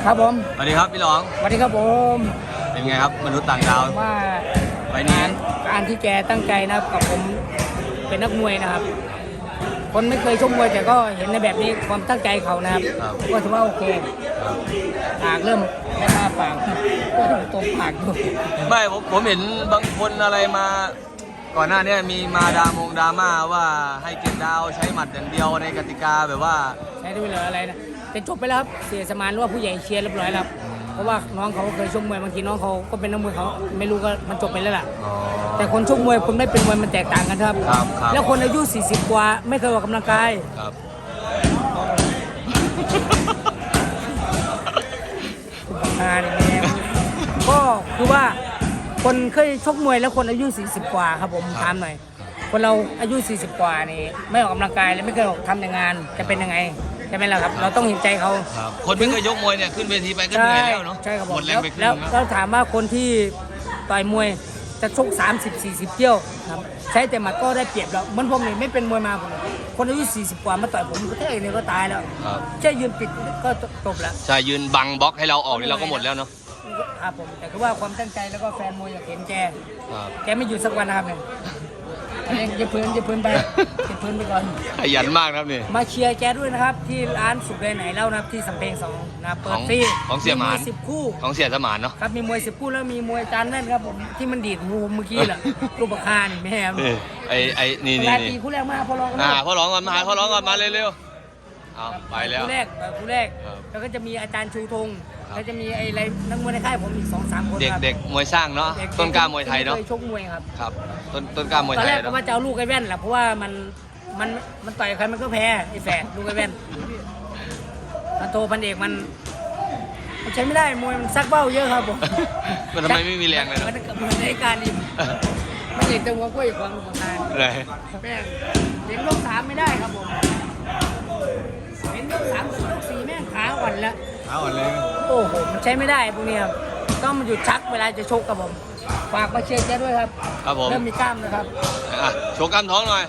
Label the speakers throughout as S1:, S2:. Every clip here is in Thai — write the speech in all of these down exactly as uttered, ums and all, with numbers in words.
S1: ครับผม
S2: สวัสดีครับพี่หลอง
S1: สวัสดีครับผม
S2: เป็นไงครับมนุษย์ต่างดาว
S1: ว่า
S2: ไปนี้
S1: การที่แกตั้งใจนะครับกับผมเป็นนักมวยนะครับคนไม่เคยชกมวยแต่ก็เห็นในแบบนี้ความตั้งใจเขานะครับก็ถือว่าโอเคปากเริ่มไม่มาปากก็ตบปากอยู่
S2: ไม่ผมผมเห็นบางคนอะไรมาก่อนหน้านี้มีมาดามงดราม่าว่าให้เกียรติดาวใช้หมัดอย่างเดียวในกติกาแบบว่า
S1: ใช้ด้วยเหรออะไรนะแต่จบไปแล้วครับเสียสมานหรือว่าผู้ใหญ่เชียร์เรียบร้อยแล้วเพราะว่าน้องเขาเคยชกมวยบางทีน้องเขาก็เป็นนักมวยเขาไม่รู้ก็มันจบไปแล้วล่ะแต่คนชกมวยคนไม่เป็นมวยมันแตกต่างกันครับแล้วคนอายุสี่สิบกว่าไม่เคยออกกำลังกายงานอย่างนี้ก็คือว่าคนเคยชกมวยแล้วคนอายุสี่สิบกว่าครับผมถามหน่อยคนเราอายุสี่สิบกว่านี่ไม่ออกกำลังกายและไม่เคยออกทำในงานจะเป็นยังไงใช่ไหมล่ะครับเราต้องเห็นใจเขา
S2: คนไม่เคยยกมวยเนี่ยขึ้นเวทีไปก็เหนื่อยแล้วเนาะ
S1: ใช่ครับ
S2: หมดแรงไปครึ่ง
S1: แล้วเราถามว่าคนที่ต่อยมวยจะชกสามสิบ สี่สิบเที่ยวครับใช้แต่หมัดก็ได้เปรียบแล้วมันผมนี่ไม่เป็นมวยมาผมคนอายุสี่สิบกว่ามาต่อยผมก็แค่เองก็ตายแล้วแค่ยืนปิดก็จบแล้ว
S2: ใช่ยืนบังบล็อกให้เราออกนี่เราก็หมดแล้วเนาะ
S1: ครับผมแต่คือว่าความตั้งใจแล้วก็แฟนมวยอยากเห็นแกแกไม่หยุดสักวันนะครับเนี่ยอะไรจะพื้นจะพื้นไปจะพื้นไปก่อน
S2: ขยันมากครับนี่
S1: มาเชียร์แกด้วยนะครับที่ร้านสุขเลยไหนเล่านะครับที่สำเพ็งสองนะเปิดฟรี
S2: ของเสียหมาน
S1: สิบคู่
S2: ของเสียสมานเนาะ
S1: ครับมีมวยสิบคู่แล้วมีมวยจานแน่นครับผมที่มันดีดหูเมื่อกี้แหละรูปคานี่แม่
S2: ไอ้ไอ้นี่นี่
S1: นี่คู่แรกมาพอร้อง
S2: อ่าพอร้องก่อนมาพอร้องก่อนมาเร็วๆเอาไปแล้ว
S1: คู่แรกคู่แรกแล้วก็จะมีอาจารย์ชูธงแล้วจะมีไอ้ไรนักมวยในค่ายผมอีกสองสามคน
S2: เด็กเด็กมวยสร้างเนาะต้นกล้ามวยไทยเนาะ
S1: ชกมวยครับ
S2: ครับต้นต้นกล้ามวยไทย
S1: ตอนแรกก็ว่าจะเอาลูกไอ้แว่นแหละเพราะว่ามันมันมันต่อยใครมันก็แพ้ไอ้แฝดลูกไอ้แว่นมันโตพันเอกมันใช้ไม่ได้มวยมันซักเบ้าเยอะครับผม
S2: มันทำไมไม่มีแรงเลย
S1: มันเหมือนในการนี่มันเอกจะหัวกล้วยความสำคัญ
S2: เลย
S1: แม่งเห็นลูกสามไม่ได้ครับผมเห็นลูกสามกับลูกสี่แม่งขาอ่อนแล้ว
S2: ขาอ่อนเลย
S1: โอ้โหมันใช้ไม่ได้พวกนี้ครับต้องมันหยุดชักเวลาจะชกกับผมฝากมาเชียร์แกด้วยครับ
S2: ครับผม
S1: เริ่มมีกล้ามนะครับ
S2: อ่ะโชว์กล้ามท้องหน่อย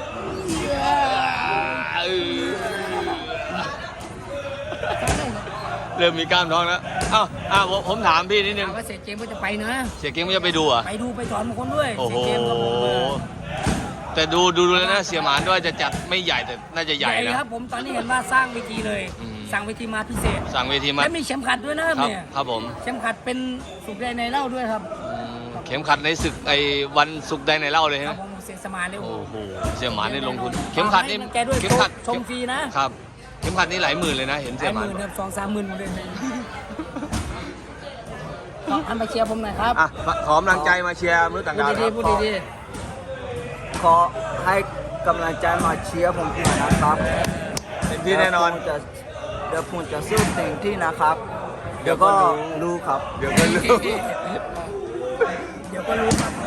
S2: เริ่มมีกล้ามท้องแล้วอ้าวอ้าวผมถามพี่นิดนึง
S1: ว่าเสียเกมก็จะไปนะ
S2: เสียเกมก็จะไปดูอ่ะ
S1: ไปดูไปสอนบางคนด้วย
S2: โอ้โหแต่ดูดูแล้วนะเสียหมานด้วยจะจัดไม่ใหญ่แต่น่าจะใหญ่
S1: นะครับผมตอนนี้เห็นว่าสร้างเวทีเลยสั่งเวทีมาพิเศษ
S2: สั่งเวทีมา
S1: และมีเข็มขัดด้วยนะครับเนี่ย
S2: ครับผม
S1: เข็มขัดเป็นสุกใดในเล่าด้วยครับ
S2: เข็มขัดในศึกไอ้วันสุกใดในเล่าเลย
S1: ครับผมเสียสมานเลย
S2: โอ้โหเสียหมานได้ลงทุนเข็มขัดนี่
S1: เข็มขัดชมฟรีนะครับ
S2: เข็มขัดนี่หลายหมื่นเลยนะเห็นเสียหมาน
S1: หลายหมื่นครับสองสามหมื่นเลยทำไปเชียร์ผมหน่อยครับ
S2: อ่ะขอกำลังใจมาเชียร์มือต่างดาว
S1: ครับพูดดี
S3: ๆขอให้กำลังใจมาเชียร์ผมหน่อยนะครับ
S2: เต็มที่แน่นอน
S3: เดี๋ยวผมจะสู้เต็มที่นะครับเดี๋ยวก็รู้ครับ
S2: เดี๋ยวก็รู้
S1: เดี๋ยวก็รู้ครับ